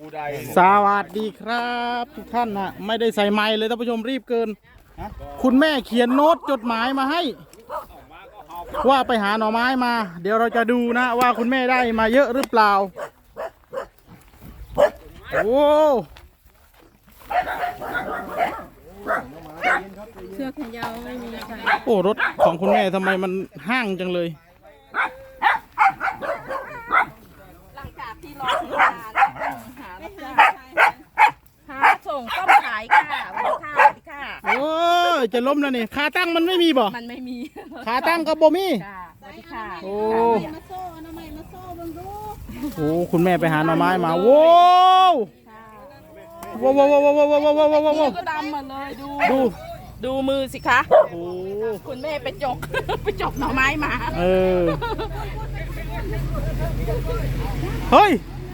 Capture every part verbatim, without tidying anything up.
สวัสดีครับทุกท่านนะไม่ได้ใส่ไมค์เลยท่านผู้ชมรีบเกินคุณแม่เขียนโน้ตจดหมายมาให้ ว่าไปหาหน่อไม้มา เดี๋ยวเราจะดูนะว่าคุณแม่ได้มาเยอะหรือเปล่าโอ้เชือกแขนยาวไม่มีค่ะโอ้รถของคุณแม่ทำไมมันห้างจังเลยหลังจากที่รอซื้อมาหารับจ้างหาส่งต้มขายค่ะวันนี้ค่ะวันนี้ค่ะโอ้ยจะล้มแล้วนี่ขาตั้งมันไม่มีบ่มันไม่มีขาตั้งก็บ่มีค่ะสวัสดีค่ะโอ้มาโซ่เอาหน่อไม้มาโซ่เบังดูโอ้คุณแม่ไปหาหน่อไม้มาโว้วค่ะโว้วโว้วโว้วโว้วโว้วโว้วโว้วโว้วโว้วนี่ก็ดำหมดเลยดูดูดูมือสิคะโอ้คุณแม่ไปจก ไปจกหน่อไม้มาเออเฮ้ย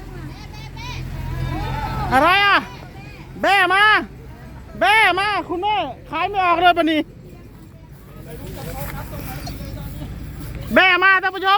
อะไรอ่ะแบ่มาแบ่มาคุณแม่ขายไม่ออกเลยปะนี่แบ่มาท่านผู้ชม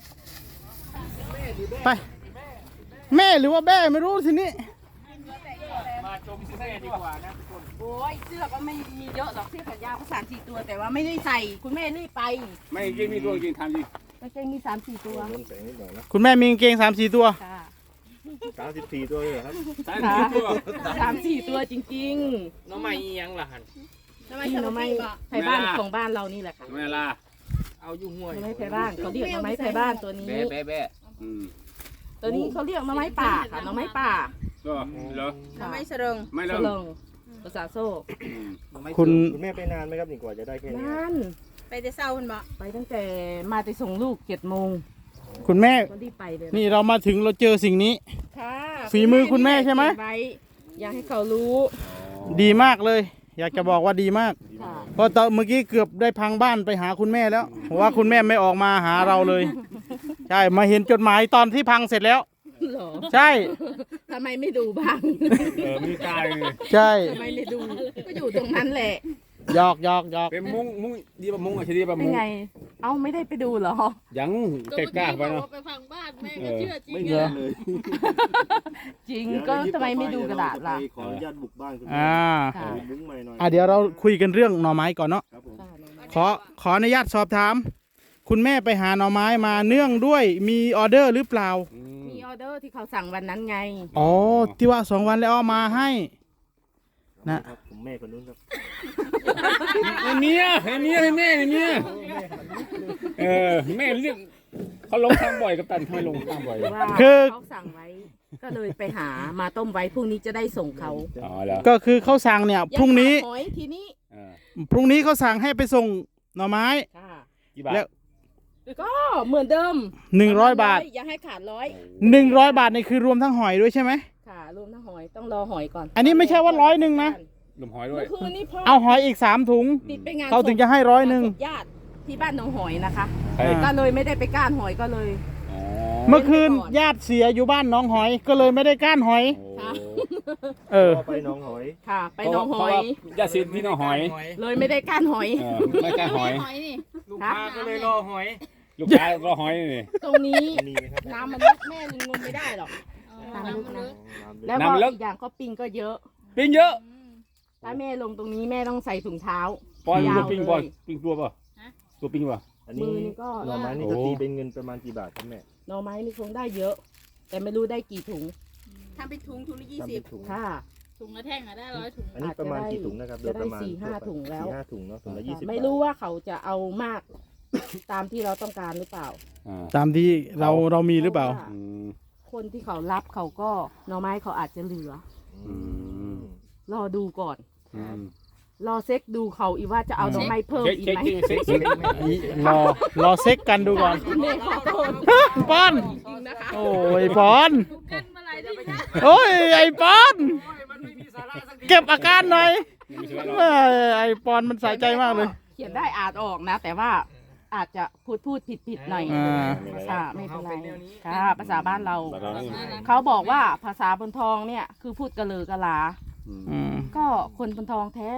ไปแม่หรือว่าแบ่ไม่รู้ทีนี้มาชมซื้อแค่ดีกว่านะทุกคนโอ้ยเสื้อก็ไม่มีเยอะหรอกเสื้อแขนยาวก็สามสี่ตัวแต่ว่าไม่ได้ใส่คุณแม่รีบไปไม่จริงมีตัวจริงทำจริงกางเกงมีสามสี่ตัวคุณแม่มีกางเกงสามสี่ตัวค่ะสามสิบสี่ตัวเลยเหรอครับสามสิบตัวสามสี่ตัวจริงน้องใหม่ยังล่ะหันๆนี่หน่อไม้ไผ่บ้านของบ้านเรานี่แหละค่ะเวลาเอาอยู่ห้วยหน่อไม้ไผ่บ้านเขาเรียกหน่อไม้ไผ่บ้านตัวนี้แบ๊ะแบ๊ะแบ๊ะอืมตัวนี้เขาเรียกหน่อไม้ป่าค่ะหน่อไม้ป่าก็เหรอค่ะไม่เสริงไม่เสเริ่มริงภาษาโซ่คุณคุณแม่ไปนานไหมครับนี่กว่าจะได้แค่นี้นั่นไปแต่เศร้าคุณบ่ไปตั้งแต่มาไปส่งลูกเจ็ดโมงคุณแม่ก็รีบไปเลยนี่เรามาถึงเราเจอสิ่งนี้ค่ะฝีมือคุณแม่ใช่ไหมเก็บว้อยากให้เขารู้ดีมากเลย อยากจะบอกว่าดีมากค่ะเพราะตอนเมื่อกี้เกือบได้พังบ้านไปหาคุณแม่แล้วเพราะว่าคุณแม่ไม่ออกมาหาเราเลย ใช่มาเห็นจดหมายตอนที่พังเสร็จแล้วเหรอใช่ทำไมไม่ดูบ้างเออมีกายเลยใช่ทำไมไม่ดูก็อยู่ตรงนั้นแหละหยอกหยอกหยอกเป็นมุ้งมุ้งดีป่ะมุ้งอ่ะใช่ดีป่ะเป็นมุ้งไง เอ้าไม่ได้ไปดูเหรอยังเตะกล้าไปเนาะไปพังบ้านแม่ก็เชื่อจริงไม่เลเยอะยเลยจริงก็ทำไมไม่ดูกระดาษล่ะขออนุญาตบุกบ้านคุณแม่อ่าค่ะมุ้งใหม่หน่อยอ่ะเดี๋ยวเราคุยกันเรื่องหน่อไม้ก่อนเนาะครับผมขอขออนุญาตสอบถาม คุณแม่ไปหาหน่อไม้มาเนื่องด้วยมีออเดอร์หรือเปล่าอืมมีออเดอร์ที่เขาสั่งวันนั้นไงอ๋อที่ว่าสองวันแล้วเอามาให้ นะครับผมแม่คนนู้นครับไอ้เมียไอ้เมียไอ้แม่ไอ้เมียเออแม่เรียกเขาลงทางบ่อยกับตันทำไมลงทางบ่อยว่าคือเขาสั่งไว้ ก็เลยไปหามาต้มไว้พรุ่งนี้จะได้ส่งเขาอ๋อเหรอก็คือเขาสั่งเนี่ยพรุ่งนี้ยังขาดหอยทีนี้เออพรุ่งนี้เขาสั่งให้ไปส่งหน่อไม้ค่ะกี่บาทแล้วก็เหมือนเดิมหนึ่งร้อยบาทอย่าให้ขาดร้อยหนึ่งร้อยบาทนี่คือรวมทั้งหอยด้วยใช่ไหมค่ะรวมทั้งหอยต้องรอหอยก่อนอันนี้ไม่ใช่ว่าร้อยหนึ่งนะลมหอยด้วเมื่ยอคืนนี้พ่อเอาหอยอีกสามถุงติดไปงานเขาถึงจะให้ร้อยหนึ่งศพญาติที่บ้านหนองหอยนะคะใครก็เลยไม่ได้ไปก้านหอยก็เลยอ๋อเมื่อคืนญาติเสียอยู่บ้านหน้องหอย ก็เลยไม่ได้ก้านหอยค่ะเออพ่อไปหน้องหอยค่ะ ไปหนองหอยยาสิทธิ์ที่น้องหอยเลยไม่ได้ก้านหอยเออไม่กล้าหอยหอยนี่ลูกค้าก็เลยรอหอยลูกค้ารอหอยนี่ตรงนี้มีไหมครับน้ำมันลึกแม่ยังงมไม่ได้หรอกน้ำมันลึกแล้วก็น้ำลึกอีกอย่างก็ปิงก็เยอะปิ้งเยอะถ้าแม่ลงตรงนี้แม่ต้องใส่ถุงเท้าปอนยาวตัวปิ้งเลยปอนปิ้งตัวป่ะตัวปิ้งป่ะอันนี้มือนี่ก็หน่อไม้นี่จะตีเป็นเงินประมาณกี่บาทครับแม่หน่อไม้นี่คงได้เยอะ แต่ไม่รู้ได้กี่ถุงทำเป็นถุงถุงละยี่ทำสิเป็บนถุงค่ะถุงละแท่งอะได้ร้อยถุงอันนี้ประมาณกี่ถุงนะครับโดจะยได้ประมาณสี่ห้าถุงแล้วสี่ห้าถุงเนาะถุงละยี่สิบไม่รู้ว่าเขาจะเอามาก ตามที่เราต้องการหรือเปล่าอ่าตามที่เราเรามีหรือเปล่าพะว่อืมคนที่เขารับเขาก็หน่อไม้เขาอาจจะเหลืออืมรอดูก่อนอืมรอเซ็กดูเขาอีกว่าจะเอาหน่อไม้เพิ่มเช็คอีกเช็คไหมจริงเช็คเช็ครอรอเซ็กกันดูก่อนแม่ขอโทษปอนจริงนะคะโอ้ยปอนกันมาหลายที่นะโอ้ยไอปอนเก็บอาการหน่อยเอ้ยไอปอนมันสายใจมากเลยเขียนได้อ่านออกนะ แต่ว่าอาจจะพูดพูดผิดผิดๆหน่อยอ่าภาษาไม่เป็นไรค่ะภาษาบ้านเราแต่เรานี่เขาบอกว่าภาษาบนทองเนี่ยคือพูดกระเลือกระลาอืมอืมก็คนบนทองแท้เนาะ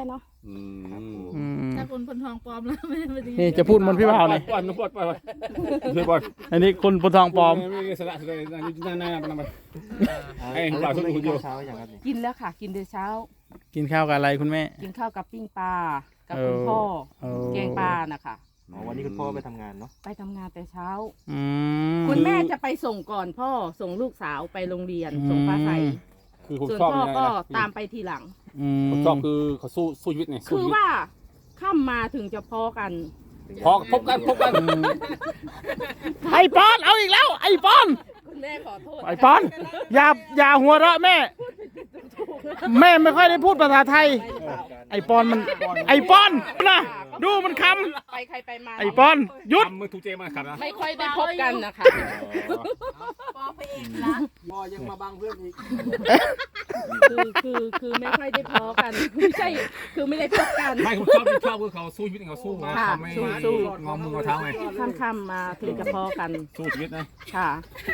อืมอืมถ้าคนคนทองปลอมแล้วไม่ไม่ดีนี่จะพูดเหมันพี่บ่าวเลยปล่อยปล่อยปล่อยปล่อยปล่อยปล่อยอันนี้คนปนทองปลอมไม่ไม่สละเลยนั่นนั่นนั่นไป ไอ้ไอ้ปลาปลาทุทุกกคคน นอยู่เช้าอย่างครับนี่กินแล้วค่ะ กินเดี๋ยวเช้ากินข้าวกับอะไรคุณแม่กินข้าวกับปิ้งปลากับคุณพ่อเออแกงปลานะคะอ๋อวันนี้คุณพ่อไปทำงานเนาะไปทำงานแต่เช้าอืมคุณแม่จะไปส่งก่อนพ่อส่งลูกสาวไปโรงเรียนอืมส่งฟ้าใสคือผมส่วนชอบพ่อยังไงก็นะตามไปทีหลังอืมผมชอบคือเขาสู้สู้ชีวิตไงสู้คือชีวิตว่าค่ำมาถึงจะพอกันพอพบกันพบกันไอปอนเอาอีกแล้ว ไอปอนคุณแม่ขอโทษไอปอนอย่าอย่าหัวเราะแม่ แม่ไม่ค่อยได้พูดภาษาไทย ไอปอนมันไอปอนนะดูมันคไปใครไปมาำไอปอนหยุดทำมือถูกเจมาขับนะไม่ค่อยได้พบกันนะคะปลอมไปเองนะคือคือคือไม่ค่อยได้พอกันไม่ใช่คือไม่ได้พบกันไม่ผมชอบชอบคือเขาสู้ชีวิตเขาสู้มาค่ะเขาไม่สู้สู้งอมืองอเท้าไงค่ำๆมาถึงจะพอกันสู้ชีวิตนะค่ะ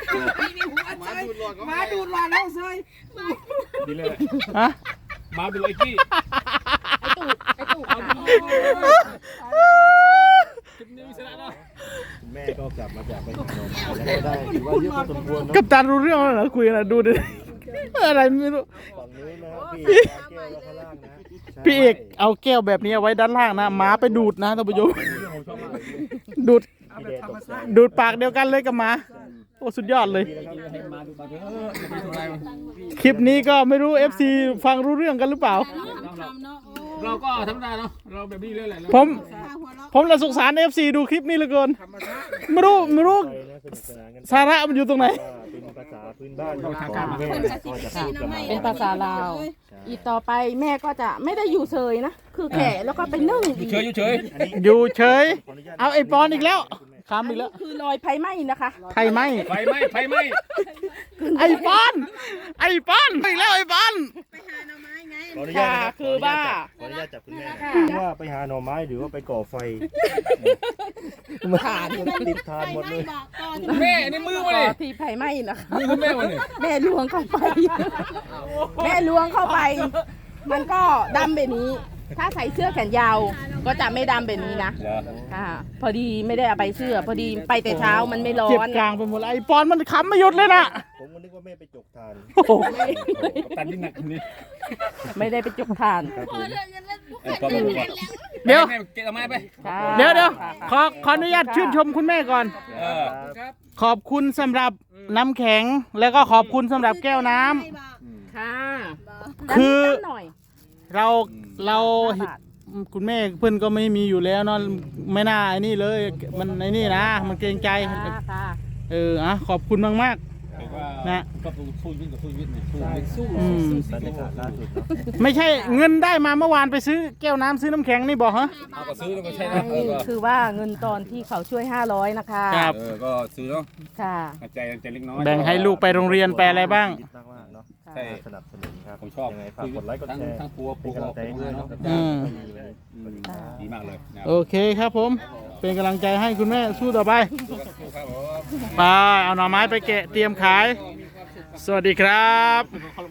ดีเลยฮะมาดูไอ้กี้ไอตู่ไอตู่เอาดีคลิปนี้มีสาระเนาะคุณแม่ก็กลับมาจากไปทำงานแล้วก็ได้ถือว่าเยอะพอสมควรเนาะกับตันรู้เรื่องแล้วเหรอคุยกันนะดูดิอะไรไม่รู้ฝั่งนู้นนะครับพี่แก้วแล้วข้างล่างนะพี่เอกเอาแก้วแบบนี้เอาไว้ด้านล่างนะหมาไปดูดนะท่านผู้ชมดูดพี่เดชตกใจดูดปากเดียวกันเลยกับหมาโอ้สุดยอดเลยให้มาดูมาเถอะไม่เป็นไรคลิปนี้ก็ไม่รู้ เอฟ ซี ฟังรู้เรื่องกันหรือเปล่าทำเนาะโอ้เราก็ธรรมดาเนาะเราแบบนี้เลยแหละผมหัวเราะผมละสงสาร เอฟ ซี ดูคลิปนี้เหลือเกินไม่รู้ไม่รู้ไปนะสนุกสนานกันสาระมันอยู่ตรงไหนว่าเป็นภาษาพื้นบ้านของแม่นะก็จะพูดกันมาเป็นภาษาลาว อีกต่อไปแม่ก็จะไม่ได้อยู่เฉยนะ คือแข่แล้วก็ไปนึ่งอยู่เฉยอยู่เฉยอยู่เฉยขออนุญาตเอาไอ้ปอนอีกแล้วคำอีกแล้วคือลอยไฟไหม้นะคะไทยไหมไฟไหม้ไฟไหม้ไอ้ปอนไอ้ปอนอีกแล้วไอ้ปอนไปหาหน่อไม้ไงขออนุญาตนะครับคือว่าขออนุญาตจับคุณแม่ค่ะว่าไปหาหน่อไม้หรือว่าไปก่อไฟผ่านติดทานหมดเลยบอกก่อนแม่ในมือมาก็เลยที่ไฟไหม้นะคะมือคุณแม่มาเลยแม่ล้วงเข้าไป แม่ล้วงเข้าไป มันก็ดำแบบนี้ ถ้าใส่เสื้อแขนยาว ก็จะไม่ดำแบบนี้นะเหรอค่ะ พอดีไม่ได้เอาไปเสื้อ พอดีไปแต่เช้ามันไม่ร้อเจ็บนกลางไปหมดเลยไอ้ปอนมันขำไม่หยุดเลยนะผมก็นึกว่าแม่ไปจกทานโอ้โหกับตันที่หนักนี่ไม่ได้ไปจุกทานครับผมไอ้ปอมดูก่อนเดี๋ยวแม่เก็บเอาไม้ไปค่ะเดี๋ยวเดี๋ยวค่ะขอขออนุญาตชื่นชมคุณแม่ก่อนเออขอบคุณสำหรับน้ำแข็ง แล้วก็ขอบคุณสำหรับแก้วน้ำค่ะคือด้านนี้ด้านหน่อยเราเราห้าบาทคุณแม่เพื่อนก็ไม่มีอยู่แล้วเนาะไม่น่าไอ้นี่เลย มันไอ้นี่นะ มันเกรงใจค่ะค่ะเอออ่ะขอบคุณมากมากถือว่านะก็สู้ชีวิตกับสู้ชีวิตเนี่ยสู้ชีวิตสู้ๆอืมบรรยากาศล่าสุดเนาะไม่ใช่เงินได้มาเมื่อวานไปซื้อแก้วน้ำซื้อน้ำแข็งนี่บอกฮะเอาก็ซื้อแล้วก็ใช่นะเออก็คือว่าเงินตอนที่เขาช่วยห้าร้อยนะคะครับเออก็ซื้อเนาะค่ะใจใจเล็กน้อยแบ่งให้ลูกไปโรงเรียนไปอะไรบ้างคิดมากๆเนาะใช่สนับสนุนครับผมชอบยังไงฝากกดไลค์กดทั้งแชร์ทั้งปัวเป็ปันวกำลังใจให้ด้วยเนาะอืมดีมากเลยนะโอเคครับผม เป็นกำลังใจให้คุณแม่สู้ต่อไปครับผมไปเอาหน่อไม้ไปแกะเตรียมขาย สวัสดีครับ